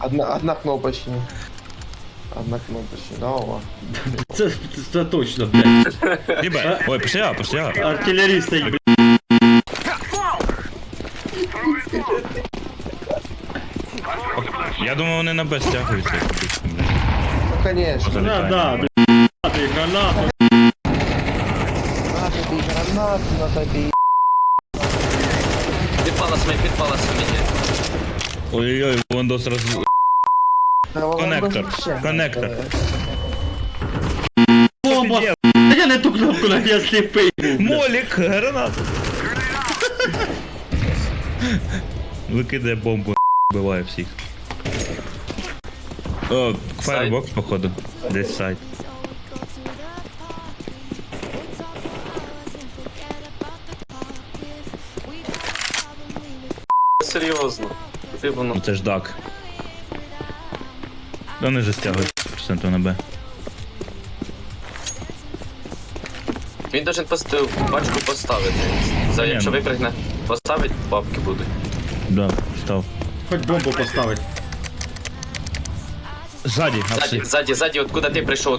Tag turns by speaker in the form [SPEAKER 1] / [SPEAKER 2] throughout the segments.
[SPEAKER 1] Одна кнопочная. Одна кнопочная, да, о.
[SPEAKER 2] Це точно, блядь.
[SPEAKER 3] Ребят, ой, пошли,
[SPEAKER 2] Артилеріст, блядь.
[SPEAKER 3] Я думаю, вони на Б стягуються.
[SPEAKER 1] Ну, конечно.
[SPEAKER 3] Залетаємо.
[SPEAKER 2] Да, блядь. Гранати.
[SPEAKER 1] На тобі гранату, на тобі.
[SPEAKER 4] Підпала мені.
[SPEAKER 3] Ой-ой-ой, Вандос роз... Коннектор.
[SPEAKER 2] Бомба. Я не ту кнопку на я сліпий був.
[SPEAKER 3] Молік, гранату. Викидає бомбу, вбиває всіх. О, фаербокс, походу. Десь сайт.
[SPEAKER 4] Серйозно. Куди воно?
[SPEAKER 3] Ну це ж дак. Вони же стягують проценту на Б.
[SPEAKER 4] Він должен бачку поставити. Якщо випрыгне, поставить, бабки будуть.
[SPEAKER 3] Да, став.
[SPEAKER 2] Хоч бомбу поставить.
[SPEAKER 3] Ззаді, апси.
[SPEAKER 4] Ззаді, откуда ти прийшов,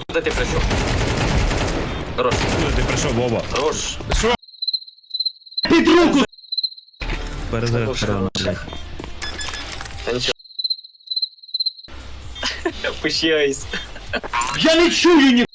[SPEAKER 4] Хорош,
[SPEAKER 3] Ти прийшов, Вова.
[SPEAKER 4] хорош.
[SPEAKER 2] Під руку!
[SPEAKER 3] Перезаряд рано, блядь.
[SPEAKER 4] Та нічого. Пущайся.
[SPEAKER 2] Я не чую ні.